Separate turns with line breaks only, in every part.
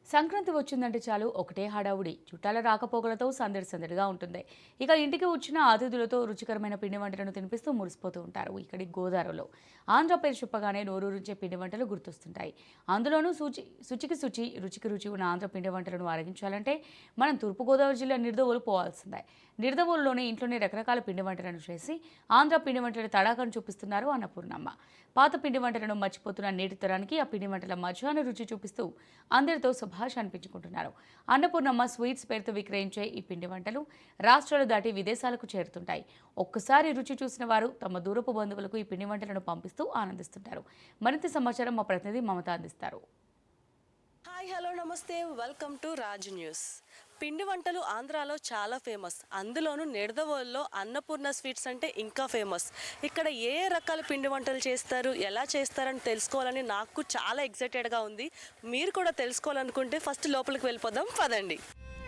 సంక్రాంతి వచ్చిందంటే చాలు ఒకటే హడావుడి, చుట్టాల రాకపోకలతో సందడి సందడిగా ఉంటుంది. ఇక ఇంటికి వచ్చిన అతిథులతో రుచికరమైన పిండి వంటలను తినిపిస్తూ మురిసిపోతూ ఉంటారు ఇక్కడి గోదావరిలో. ఆంధ్ర పేరు చెప్పగానే నోరూరించే పిండి వంటలు గుర్తొస్తుంటాయి. అందులోనూ శుచికి శుచి, రుచికి రుచి ఉన్న ఆంధ్ర పిండి వంటలను ఆరగించాలంటే మనం తూర్పుగోదావరి జిల్లా నిడదవోలు పోవాల్సిందే. నిడదవోలులోనే ఇంట్లోనే రకరకాల పిండి వంటలను చేసి ఆంధ్ర పిండి వంటల తడాకాను చూపిస్తున్నారు అన్నపూర్ణమ్మ. పాత పిండి వంటలను మర్చిపోతున్న నేటి తరానికి ఆ పిండి వంటల మధ్యాహ్న రుచి చూపిస్తూ అందరితో శుభాష అనిపించుకుంటున్నారు. అన్నపూర్ణమ్మ స్వీట్స్ పేరుతో విక్రయించే ఈ పిండి వంటలు రాష్ట్రాలు దాటి విదేశాలకు చేరుతుంటాయి. ఒక్కసారి రుచి చూసిన వారు తమ దూరపు బంధువులకు ఈ పిండి వంటలను పంపిస్తూ ఆనందిస్తుంటారు. మరింత సమాచారం మా ప్రతినిధి మమత అందిస్తారు.
Hi, hello, namaste, welcome to Raj news. పిండి వంటలు ఆంధ్రాలో చాలా ఫేమస్. అందులోనూ నిడదవోలులో అన్నపూర్ణ స్వీట్స్ అంటే ఇంకా ఫేమస్. ఇక్కడ ఏ రకాల పిండి వంటలు చేస్తారు, ఎలా చేస్తారని తెలుసుకోవాలని నాకు చాలా ఎక్సైటెడ్గా ఉంది. మీరు కూడా తెలుసుకోవాలనుకుంటే ఫస్ట్ లోపలికి వెళ్ళిపోదాం, పదండి.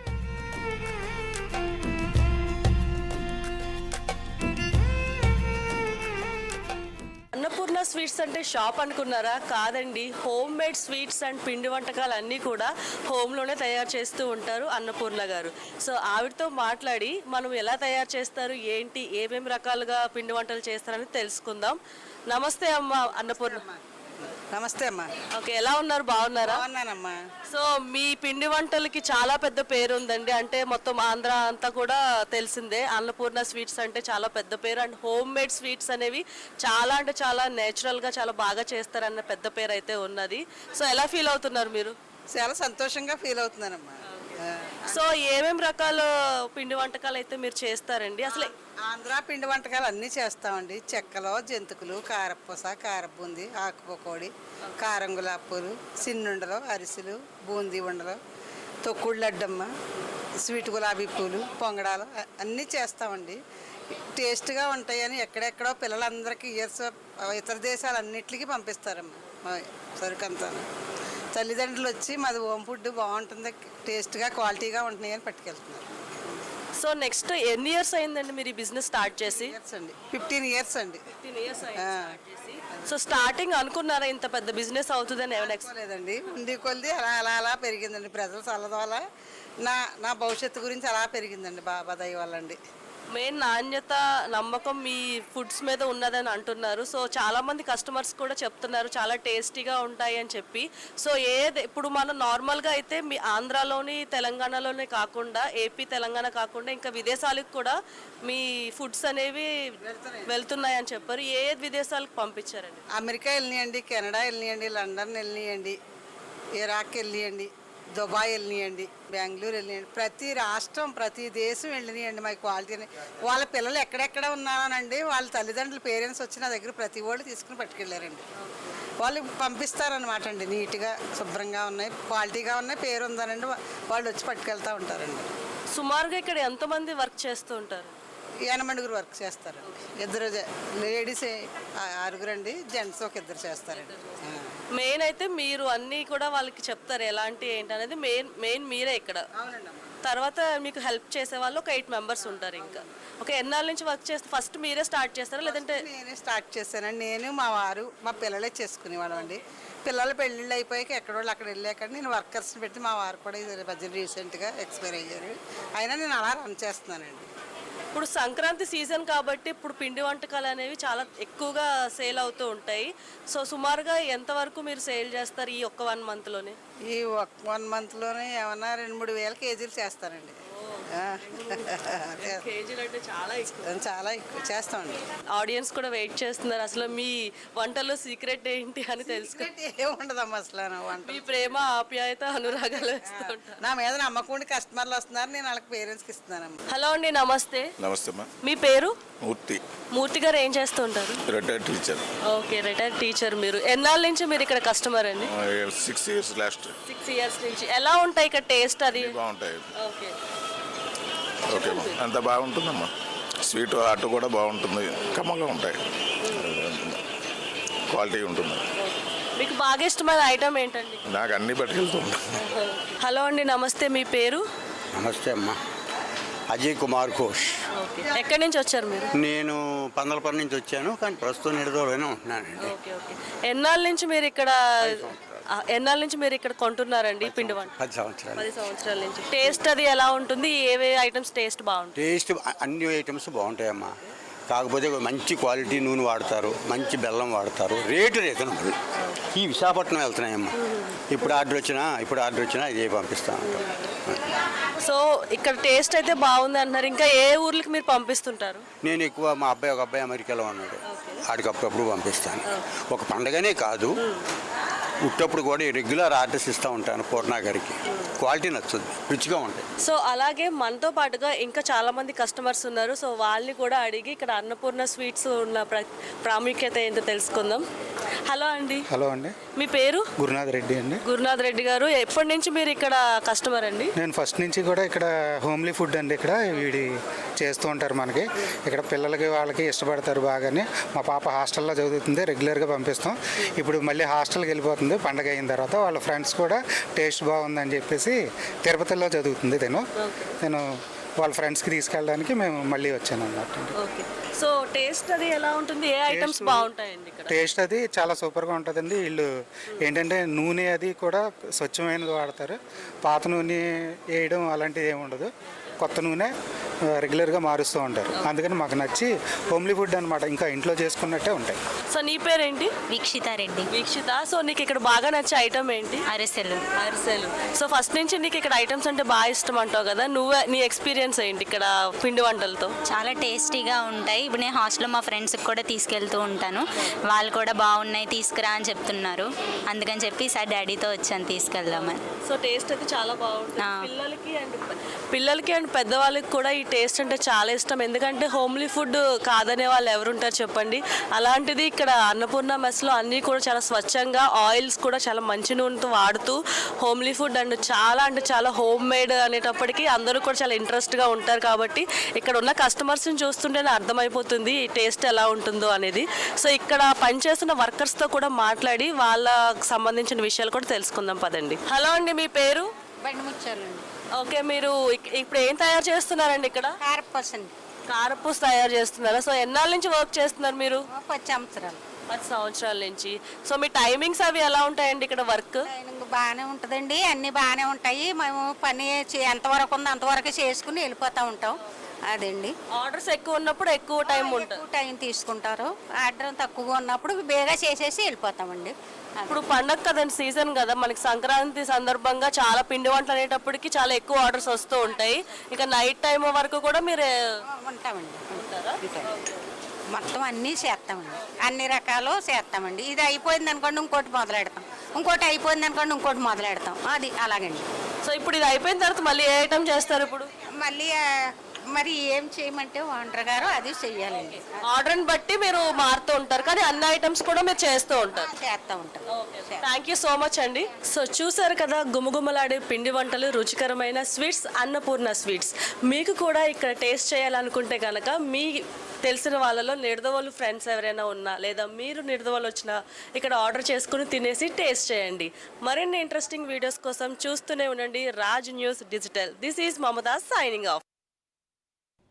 అన్నపూర్ణ స్వీట్స్ అంటే షాప్ అనుకున్నారా? కాదండి, హోమ్ మేడ్ స్వీట్స్ అండ్ పిండి వంటకాలు అన్నీ కూడా హోమ్లోనే తయారు చేస్తూ ఉంటారు అన్నపూర్ణ గారు. సో ఆవిడతో మాట్లాడి మనం ఎలా తయారు చేస్తారు, ఏంటి, ఏమేమి రకాలుగా పిండి వంటలు చేస్తారని తెలుసుకుందాం. నమస్తే అమ్మ అన్నపూర్ణ.
నమస్తే అమ్మా.
ఓకే, ఎలా ఉన్నారు? బాగున్నారా?
బాగున్నానమ్మా.
సో మీ పిండి వంటలకి చాలా పెద్ద పేరు ఉందండి. అంటే మొత్తం ఆంధ్ర అంతా కూడా తెలిసిందే. అన్నపూర్ణ స్వీట్స్ అంటే చాలా పెద్ద పేరు. అండ్ హోమ్ మేడ్ స్వీట్స్ అనేవి చాలా అంటే చాలా నేచురల్గా చాలా బాగా చేస్తారన్న పెద్ద పేరు అయితే ఉన్నది. సో ఎలా ఫీల్ అవుతున్నారు మీరు?
చాలా సంతోషంగా ఫీల్ అవుతున్నానమ్మా.
సో ఏమేమి రకాల పిండి వంటకాలు అయితే మీరు చేస్తారండి? అసలు
ఆంధ్ర పిండి వంటకాలు అన్నీ చేస్తామండి. చెక్కలు, జంతికలు, కారపూస, కారబూంది, ఆకుపకోడి, కారం గులాపులు, సిన్నుండలు, అరిసెలు, బూందీ ఉండలు, తొక్కుడు లడ్డమ్మ, స్వీట్ గులాబీ పూలు, పొంగడాలు అన్నీ చేస్తామండి. టేస్ట్గా ఉంటాయని ఎక్కడెక్కడో పిల్లలందరికీ ఇతర దేశాలన్నిటికీ పంపిస్తారమ్మా సరుకంతా. తల్లిదండ్రులు వచ్చి మాది హోమ్ ఫుడ్ బాగుంటుంది, టేస్ట్గా క్వాలిటీగా ఉంటున్నాయి అని పట్టుకెళ్తున్నారు.
సో నెక్స్ట్ ఎన్ని ఇయర్స్ అయిందండి మీరు ఈ బిజినెస్ స్టార్ట్ చేసి?
15 ఇయర్స్ అండి.
15 ఇయర్స్ అయింది. సో స్టార్టింగ్ అనుకున్నారా ఇంత పెద్ద బిజినెస్ అవుతుందని? ఏమైనా
లేదండి, ఉండి కొద్ది అలా అలా అలా పెరిగిందండి. ప్రజల సలహా వల్ల నా భవిష్యత్తు గురించి అలా పెరిగిందండి. బాబా దయ వల్ల అండి.
మెయిన్ నాణ్యత, నమ్మకం మీ ఫుడ్స్ మీద ఉన్నదని అంటున్నారు. సో చాలామంది కస్టమర్స్ కూడా చెప్తున్నారు చాలా టేస్టీగా ఉంటాయి అని చెప్పి. సో ఇప్పుడు మనం నార్మల్గా అయితే మీ ఆంధ్రాలోని తెలంగాణలోనే కాకుండా, ఏపీ తెలంగాణ కాకుండా ఇంకా విదేశాలకు కూడా మీ ఫుడ్స్ అనేవి వెళ్తున్నాయని చెప్పారు. ఏ విదేశాలకు పంపించారండి?
అమెరికా వెళ్ళినాయండి, కెనడా వెళ్ళినాయండి, లండన్ వెళ్ళినాయండి, ఇరాక్ వెళ్ళినాయండి, దుబాయ్ వెళ్ళినాయండి, బెంగళూరు వెళ్ళినాయండి. ప్రతి రాష్ట్రం, ప్రతి దేశం వెళ్ళినాయండి. మా క్వాలిటీని వాళ్ళ పిల్లలు ఎక్కడెక్కడ ఉన్నారనండి, వాళ్ళ తల్లిదండ్రులు పేరెంట్స్ వచ్చి నా దగ్గర ప్రతి వాళ్ళు తీసుకుని పట్టుకెళ్ళారండి. వాళ్ళు పంపిస్తారనమాట అండి. నీట్గా శుభ్రంగా ఉన్నాయి, క్వాలిటీగా ఉన్నాయి, పేరు ఉందనండి, వాళ్ళు వచ్చి పట్టుకెళ్తూ ఉంటారండి.
సుమారుగా ఇక్కడ ఎంతమంది వర్క్ చేస్తూ ఉంటారు?
8 వర్క్ చేస్తారండి. 2 లేడీస్ 6 అండి, జెంట్స్ ఒక 2 చేస్తారండి.
మెయిన్ అయితే మీరు అన్నీ కూడా వాళ్ళకి చెప్తారు ఎలాంటి ఏంటి అనేది. మెయిన్ మీరే ఇక్కడ. తర్వాత మీకు హెల్ప్ చేసే వాళ్ళు ఒక 8 మెంబర్స్ ఉంటారు. ఇంకా ఓకే, ఎన్నాళ్ళ నుంచి వర్క్ చేస్తే ఫస్ట్ మీరే స్టార్ట్ చేస్తారా లేదంటే?
నేనే స్టార్ట్ చేశానండి. నేను, మా వారు, మా పిల్లలే చేసుకునేవాళ్ళం అండి. పిల్లలు పెళ్ళిళ్ళు అయిపోయాక ఎక్కడోళ్ళు అక్కడ వెళ్ళాక నేను వర్కర్స్ని పెట్టి, మా వారు కూడా ఇది మధ్య రీసెంట్గా ఎక్స్పైర్ అయ్యారు. అయినా నేను అలా రన్ చేస్తున్నానండి.
ఇప్పుడు సంక్రాంతి సీజన్ కాబట్టి ఇప్పుడు పిండి వంటకాలు అనేవి చాలా ఎక్కువగా సేల్ అవుతూ ఉంటాయి. సో సుమారుగా ఎంతవరకు మీరు సేల్ చేస్తారు ఈ ఒక్క 1 మంత్లోనే?
ఈ 1 మంత్లోనే ఏమన్నా 2-3 వేల కేజీలు చేస్తానండి.
కేజీలు అంటే చాలా
ఎక్కువ చేస్తామండి.
ఆడియన్స్ కూడా వెయిట్ చేస్తున్నారు. అసలు మీ వంటలో సీక్రెట్ ఏంటి అని తెలుసుకో.
ఏముండదమ్మా అసలు వంట.
మీ ప్రేమ, ఆప్యాయత, అనురాగాలు వేస్తూ ఉంటారు.
నా మీద నమ్మకం కస్టమర్లు వస్తున్నారు, నేను వాళ్ళకి పేరెంట్స్కి ఇస్తున్నానమ్మా.
హలో అండి, నమస్తే.
నమస్తే.
మీ పేరు?
మూర్తి.
మూర్తి గారు ఏం చేస్తూ ఉంటారు?
Retired teacher.
Okay, retired teacher. మీరు ఎన్నాళ్ళ నుంచి మీరు ఇక్కడ కస్టమర్ అండి?
6 ఇయర్స్ లాస్ట్.
6 ఇయర్స్ నుంచి. ఎలా ఉంటాయి ఇక్కడ టేస్ట్? అది
బాగుంటాయి.
ఓకే
ఓకే, అంత బాగుంటుందమ్మా. స్వీట్ అటు కూడా బాగుంటుంది, కమ్మగా ఉంటాయి, క్వాలిటీ ఉంటుంది.
మీకు బాగా ఇష్టమైన ఐటమ్ ఏంటండి?
నాకు అన్నీ పట్టుకెళ్తూ ఉంటాను.
హలో అండి, నమస్తే. మీ పేరు?
నమస్తే అమ్మా, అజయ్ కుమార్ ఘోష్.
ఓకే, ఎక్కడి నుంచి వచ్చారు మీరు?
నేను పందలపల్లి నుంచి వచ్చాను, కానీ ప్రస్తుతం నిడదవోలులోనే ఉంటున్నానండి.
Okay okay. ఎన్నాళ్ళ నుంచి మీరు ఇక్కడ? ఎన్నాళ్ళ నుంచి మీరు ఇక్కడ కొంటున్నారండి ఈ పిండి వంట?
10 సంవత్సరాలు.
10 సంవత్సరాల నుంచి. టేస్ట్ అది ఎలా ఉంటుంది? ఏవే ఐటమ్స్ టేస్ట్ బాగుంటుంది?
టేస్ట్ అన్ని ఐటమ్స్ బాగుంటాయమ్మా. కాకపోతే మంచి క్వాలిటీ నూనె వాడతారు, మంచి బెల్లం వాడతారు, రేటు రీజనబుల్. ఈ విశాఖపట్నం వెళ్తున్నాయమ్మా. ఇప్పుడు ఆర్డర్ వచ్చినా ఇదే పంపిస్తాం.
సో ఇక్కడ టేస్ట్ అయితే బాగుంది అంటున్నారు. ఇంకా ఏ ఊర్లకి మీరు పంపిస్తుంటారు?
నేను ఎక్కువ మా ఒక అబ్బాయి అమెరికాలో ఉన్నాడు, ఆడికి అప్పుడప్పుడు పంపిస్తాను. ఒక పండగనే కాదు, ఉట్టప్పుడు కూడా రెగ్యులర్ ఆర్డర్స్ ఇస్తూ ఉంటాను పూర్ణ గారికి. క్వాలిటీ నచ్చుద్ది, రుచిగా ఉంటాయి.
సో అలాగే మనతో పాటుగా ఇంకా చాలా మంది కస్టమర్స్ ఉన్నారు. సో వాళ్ళని కూడా అడిగి ఇక్కడ అన్నపూర్ణ స్వీట్స్ ఉన్న ప్రాముఖ్యత ఏంటో తెలుసుకుందాం. హలో అండి.
హలో అండి,
మీ పేరు?
గురునాథ్ రెడ్డి అండి.
గురునాథ్ రెడ్డి గారు, ఎప్పటి నుంచి మీరు ఇక్కడ కస్టమర్ అండి?
నేను ఫస్ట్ నుంచి కూడా ఇక్కడ హోమ్లీ ఫుడ్ అండి. ఇక్కడ వీడి చేస్తూ ఉంటారు మనకి. ఇక్కడ పిల్లలకి వాళ్ళకి ఇష్టపడతారు బాగానే. మా పాప హాస్టల్లో చదువుతుంది, రెగ్యులర్గా పంపిస్తాం. ఇప్పుడు మళ్ళీ హాస్టల్కి వెళ్ళిపోతుంది పండగ అయిన తర్వాత. వాళ్ళ ఫ్రెండ్స్ కూడా టేస్ట్ బాగుందని చెప్పేసి తిరుపతిలో చదువుతుంది నేను వాళ్ళ ఫ్రెండ్స్కి తీసుకెళ్ళడానికి మేము మళ్ళీ వచ్చాను అన్నట్టు.
ఓకే. సో టేస్ట్ అది ఎలా ఉంటుంది? ఏ ఐటమ్స్ బాగుంటాయండి ఇక్కడ?
టేస్ట్ అది చాలా సూపర్గా ఉంటుందండి. వీళ్ళు ఏంటంటే నూనె అది కూడా స్వచ్ఛమైనది వాడతారు. పాత నూనె వేయడం అలాంటిది ఏమి ఉండదు. కొత్త నూనె రెగ్యులర్గా మారుస్తూ ఉంటారు. అందుకని మాకు నచ్చి హోమ్లీ ఫుడ్ అనమాట, ఇంకా ఇంట్లో చేసుకున్నట్టే ఉంటాయి.
సో నీ పేరేంటి?
వీక్షిత రెడ్డి.
వీక్షిత. సో నీకు ఇక్కడ బాగా నచ్చే ఐటమ్ ఏంటి?
అరిసెలు.
అరిసెలు. సో ఫస్ట్ నుంచి నీకు ఇక్కడ ఐటమ్స్ అంటే బాగా ఇష్టం అంటావు కదా, నీ ఎక్స్పీరియన్స్ ఏంటి ఇక్కడ పిండి వంటలతో?
చాలా టేస్టీగా ఉంటాయి. ఇప్పుడు నేను హాస్టల్లో మా ఫ్రెండ్స్కి కూడా తీసుకెళ్తూ ఉంటాను. వాళ్ళు కూడా బాగున్నాయి తీసుకురా అని చెప్తున్నారు. అందుకని చెప్పి ఈసారి డాడీతో వచ్చాను తీసుకెళ్దామని.
సో టేస్ట్ అయితే చాలా బాగుంటుంది. పిల్లలకి అండ్ పెద్దవాళ్ళకి కూడా ఈ టేస్ట్ అంటే చాలా ఇష్టం. ఎందుకంటే హోమ్లీ ఫుడ్ కాదనే వాళ్ళు ఎవరుంటారు చెప్పండి. అలాంటిది ఇక్కడ అన్నపూర్ణ మెస్లో అన్నీ కూడా చాలా స్వచ్ఛంగా, ఆయిల్స్ కూడా చాలా మంచి నూనెతో వాడుతూ హోమ్లీ ఫుడ్ అండ్ చాలా అంటే చాలా హోమ్ మేడ్ అనేటప్పటికీ అందరూ కూడా చాలా ఇంట్రెస్ట్గా ఉంటారు. కాబట్టి ఇక్కడ ఉన్న కస్టమర్స్ని చూస్తుంటేనే అర్థమైపోతుంది ఈ టేస్ట్ ఎలా ఉంటుందో అనేది. సో ఇక్కడ పనిచేస్తున్న వర్కర్స్తో కూడా మాట్లాడి వాళ్ళకి సంబంధించిన విషయాలు కూడా తెలుసుకుందాం పదండి. హలో అండి, మీ పేరు?
బండి ముచ్చాలండి.
ఓకే, మీరు ఇప్పుడు ఏం తయారు చేస్తున్నారండి ఇక్కడ?
కారపూసండి.
కారపూస తయారు చేస్తున్నారా? సో ఎన్నాళ్ళ నుంచి వర్క్ చేస్తున్నారు మీరు?
10 సంవత్సరాలు.
10 సంవత్సరాల నుంచి. సో మీ టైమింగ్స్ అవి ఎలా ఉంటాయండి ఇక్కడ వర్క్?
ట్రైనింగ్ బాగానే ఉంటుందండి, అన్నీ బాగానే ఉంటాయి. మేము పని ఎంతవరకు ఉందో అంతవరకు చేసుకుని వెళ్ళిపోతూ ఉంటాం. అదండి.
ఆర్డర్స్ ఎక్కువ ఉన్నప్పుడు ఎక్కువ టైం ఉంటుంది,
ఎక్కువ టైం తీసుకుంటారు. ఆర్డర్ తక్కువగా ఉన్నప్పుడు బేగా చేసేసి వెళ్ళిపోతామండి.
ఇప్పుడు పండగ కదండి, సీజన్ కదా మనకి, సంక్రాంతి సందర్భంగా చాలా పిండి వంటలు అనేటప్పటికి చాలా ఎక్కువ ఆర్డర్స్ వస్తూ ఉంటాయి. ఇక నైట్ టైం వరకు కూడా మీరు
ఉంటామండి. మొత్తం అన్నీ చేస్తామండి, అన్ని రకాలు చేస్తామండి. ఇది అయిపోయింది అనుకోండి ఇంకోటి మొదలెడతాం, ఇంకోటి అయిపోయింది అనుకోండి ఇంకోటి మొదలెడతాం. అది అలాగండి.
సో ఇప్పుడు ఇది అయిపోయిన తర్వాత మళ్ళీ ఏ ఐటమ్ చేస్తారు ఇప్పుడు?
మళ్ళీ మరి ఏం చేయమంటే ఓనర్ గారు అది చెయ్యాలండి.
ఆర్డర్ని బట్టి మీరు మారుతూ ఉంటారు, కానీ అన్ని ఐటమ్స్ కూడా మీరు చేస్తూ ఉంటారు.
చేస్తూ ఉంటాం.
థ్యాంక్ యూ సో మచ్ అండి. సో చూసారు కదా, గుమగుమలాడే పిండి వంటలు, రుచికరమైన స్వీట్స్, అన్నపూర్ణ స్వీట్స్. మీకు కూడా ఇక్కడ టేస్ట్ చేయాలనుకుంటే కనుక మీ తెలిసిన వాళ్ళలో నిడదవోలు ఫ్రెండ్స్ ఎవరైనా ఉన్నా, లేదా మీరు నిడదవోలు వచ్చినా ఇక్కడ ఆర్డర్ చేసుకుని తినేసి టేస్ట్ చేయండి. మరిన్ని ఇంట్రెస్టింగ్ వీడియోస్ కోసం చూస్తూనే ఉండండి Raj news digital. This is Mamata signing of.